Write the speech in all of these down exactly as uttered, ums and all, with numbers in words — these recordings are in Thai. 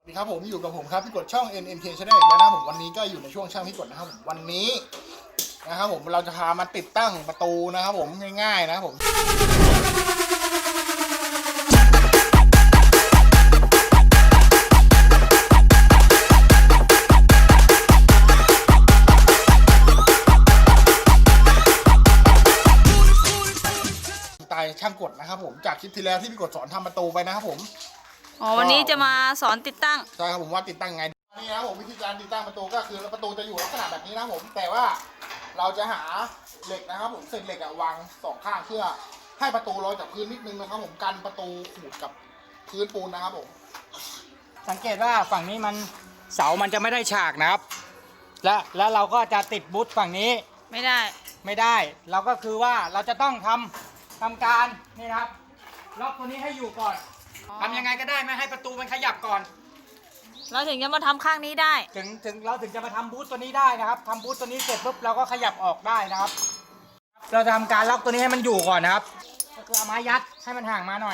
ครับผมอยู่กับผมครับพี่กดช่อง เอ็น เอ็น เค Channel อีกแล้วนะครับผมวันนี้ก็อยู่ในช่วงช่างพี่กดนะครับผมวันนี้นะครับผมเราจะพามาติดตั้งประตูนะครับผมง่ายๆนะครับผมสไตล์ช่างกดนะครับผมจากคลิปที่แล้วที่พี่กดสอนทำประตูไปนะครับผมอ๋อวันนี้จะมาสอนติดตั้งใช่ครับผมว่าติดตั้งไงนี่นะครับผมวิธีการติดตั้งประตูก็คือประตูจะอยู่ลักษณะแบบนี้นะครับผมแต่ว่าเราจะหาเหล็กนะครับผมเศษเหล็กอะวางสองข้างเพื่อให้ประตูลอยจากพื้นนิดนึงนะครับผมกันประตูขูดกับพื้นปูนนะครับผมสังเกตว่าฝั่งนี้มันเสามันจะไม่ได้ฉากนะครับและแล้วเราก็จะติดบูทฝั่งนี้ไม่ได้ไม่ได้เราก็คือว่าเราจะต้องทำทำการนี่นะครับล็อกตัวนี้ให้อยู่ก่อนทำยังไงก็ได้ไม่ให้ประตูมันขยับก่อนเราถึงจะมาทำข้างนี้ได้ถึงถึงเราถึงจะมาทำบูทตัวนี้ได้นะครับทำบูทตัวนี้เสร็จปุ๊บเราก็ขยับออกได้นะครับเราจะทำการล็อกตัวนี้ให้มันอยู่ก่อนนะครับก็คือเอาไม้ยัดให้มันห่างมาหน่อย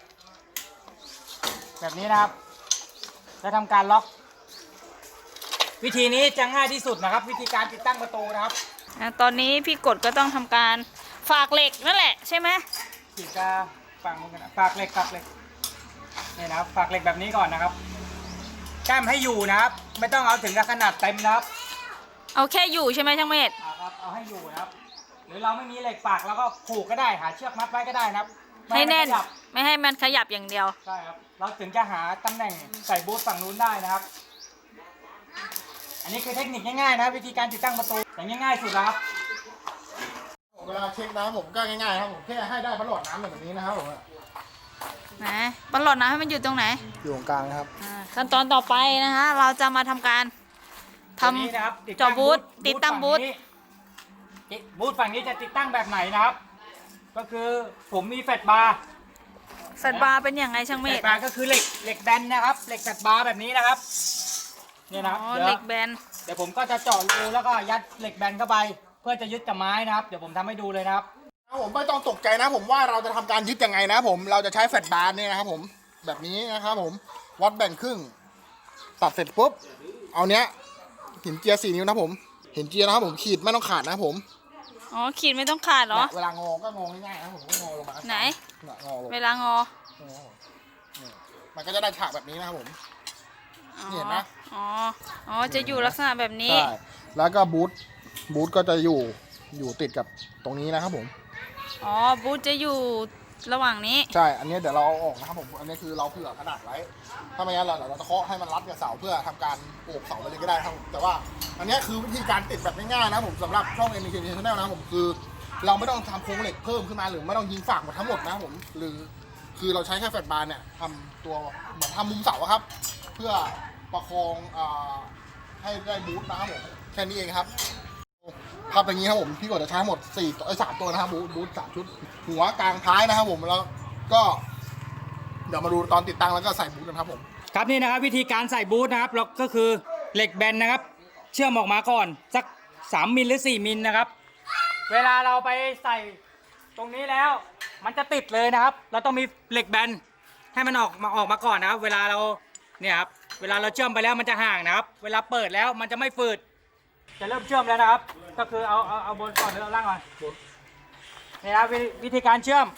แบบนี้นะครับแล้วทำการล็อกวิธีนี้จะง่ายที่สุดนะครับวิธีการติดตั้งประตูนะครับตอนนี้พี่กดก็ต้องทำการฝากเหล็กนั่นแหละใช่ไหมขีดจะฝังกันฝากเหล็กฝากเหล็กนี่นะครับฝากเหล็กแบบนี้ก่อนนะครับแก้มให้อยู่นะครับไม่ต้องเอาถึงกับขนาดเต็มนะครับเอาแค่อยู่ใช่ไหมช่างเมธครับเอาให้อยู่นะครับหรือเราไม่มีเหล็กฝากแล้วก็ผูกก็ได้หาเชือกมัดไว้ก็ได้นะครับให้แน่นไม่ให้มันขยับอย่างเดียวใช่ครับเราถึงจะหาตำแหน่งใส่บูทฝั่งนู้นได้นะครับอันนี้คือเทคนิคง่ายๆนะวิธีการติดตั้งประตูอย่างง่ายๆสุดครับเวลาเช็คน้ำผมก็ง่ายๆครับผมแค่ให้ได้พัดหลอดน้ำแบบนี้นะครับผมนะบอลหลอดน้ำให้มันอยู่ตรงไหนอยู่ตรงกลางนะครับขั้นตอนต่อไปนะคะเราจะมาทำการทำจอบูทติดตั้งบูทบูทฝั่งนี้จะติดตั้งแบบไหนนะครับก็คือผมมีแฟลชบาร์แฟลชบาร์เป็นอย่างไรช่างเมธแฟลชบาร์ก็คือเหล็กเหล็กแบนนะครับเหล็กแฟลชบาร์แบบนี้นะครับนี่นะครับเหล็กแบนเดี๋ยวผมก็จะเจาะรูแล้วก็ยัดเหล็กแบนเข้าไปเพื่อจะยึดกับไม้นะครับเดี๋ยวผมทำให้ดูเลยนะครับผมไม่ต้องตกใจนะผมว่าเราจะทำการยึดยังไงนะผมเราจะใช้แฟลชบาร์นี่นะครับผมแบบนี้นะครับผมวัดแบ่งครึ่งตัดเสร็จปุ๊บเอาเนี้ยหินเจียสี่นิ้วนะผมหินเจียนะครับผมขีดไม่ต้องขาดนะผมอ๋อขีดไม่ต้องขาดเหรอเวลางอก็งอง่ายๆนะผมก็งอลงมาไหนงอลงเวลางอมันก็จะได้ฉากแบบนี้นะครับผมเห็นไหมอ๋ออ๋อจะอยู่ลักษณะแบบนี้ใช่แล้วก็บูทบูทก็จะอยู่อยู่ติดกับตรงนี้นะครับผมอ๋อบูทจะอยู่ระหว่างนี้ใช่อันนี้เดี๋ยวเราเอาออกนะครับผมอันนี้คือเราเผื่อขนาดไว้ถ้าไม่งั้นเราเราจะเคาะให้มันรัดกับเสาเพื่อทำการโอบเสาไปเลยก็ได้ครับแต่ว่าอันนี้คือวิธีการติดแบบง่ายๆนะผมสำหรับช่อง เอ็น เค Channel นะผมคือเราไม่ต้องทำโครงเหล็กเพิ่มขึ้นมาหรือไม่ต้องยิงฝากหมดทั้งหมดนะผมหรือคือเราใช้แค่แฟลชบาร์เนี่ยทำตัวเหมือนทำมุมเสาครับเพื่อประคองอ่าให้ได้บูทนะครับผมแค่นี้เองครับครับอย่างนี้ครับผมพี่กดจะใช้หมดสี่ตัวไอ้สามตัวนะครับบูทบูทสามชุดหัวกลางท้ายนะครับผมแล้วก็เดี๋ยวมาดูตอนติดตั้งแล้วก็ใส่บูทกันครับผมครับนี่นะครับวิธีการใส่บูทนะครับเราก็คือเหล็กแบนนะครับเชื่อมออกมาก่อนสักสามมิลหรือสี่มิลนะครับเวลาเราไปใส่ตรงนี้แล้วมันจะติดเลยนะครับเราต้องมีเหล็กแบนให้มันออกมาออกมาก่อนนะครับเวลาเราเนี่ยครับเวลาเราเชื่อมไปแล้วมันจะห่างนะครับเวลาเปิดแล้วมันจะไม่ฝืดจะเริ่มเชื่อมแล้วนะครับก็คือเอาเอาเอาบนก่อนหรือเอาล่างก่อนนี่ครับวิธีการเชื่อม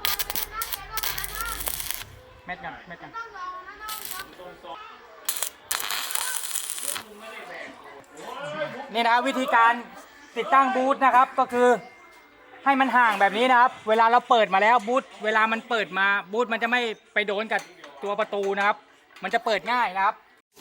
เม็ดกันเม็ดกันนี่นะวิธีการติดตั้งบูทนะครับก็คือให้มันห่างแบบนี้นะครับเวลาเราเปิดมาแล้วบูทเวลามันเปิดมาบูทมันจะไม่ไปโดนกับตัวประตูนะครับมันจะเปิดง่ายนะครับ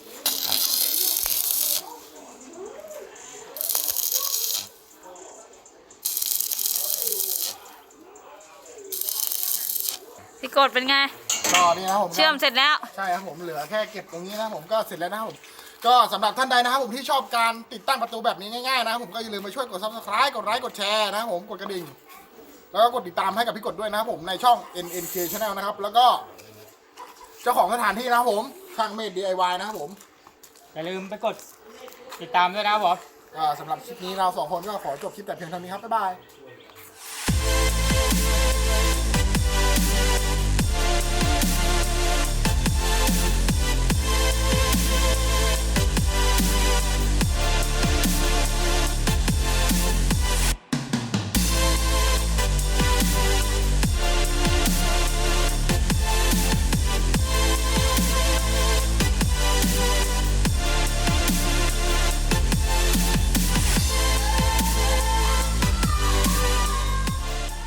พี่กดเป็นไงก็นี่นะผมเชื่อมเสร็จแล้วใช่ครับผมเหลือแค่เก็บตรงนี้นะผมก็เสร็จแล้วนะครับผมก็สำหรับท่านใดนะครับผมที่ชอบการติดตั้งประตูแบบนี้ง่ายๆนะครับผมก็อย่าลืมไปช่วยกด ซับสไครบ์ กดไลค์กดแชร์นะครับผมกดกระดิ่งแล้วก็กดติดตามให้กับพี่กดด้วยนะครับผมในช่อง เอ็น เอ็น เค Channel นะครับแล้วก็เจ้าของสถานที่นะครับผมช่างเมธ ดี ไอ วาย นะครับผมอย่าลืมไปกดติดตามด้วยนะครับผมสำหรับคลิปนี้เราสองคนก็ขอจบคลิปแต่เพียงเท่านี้ครับบ๊ายบาย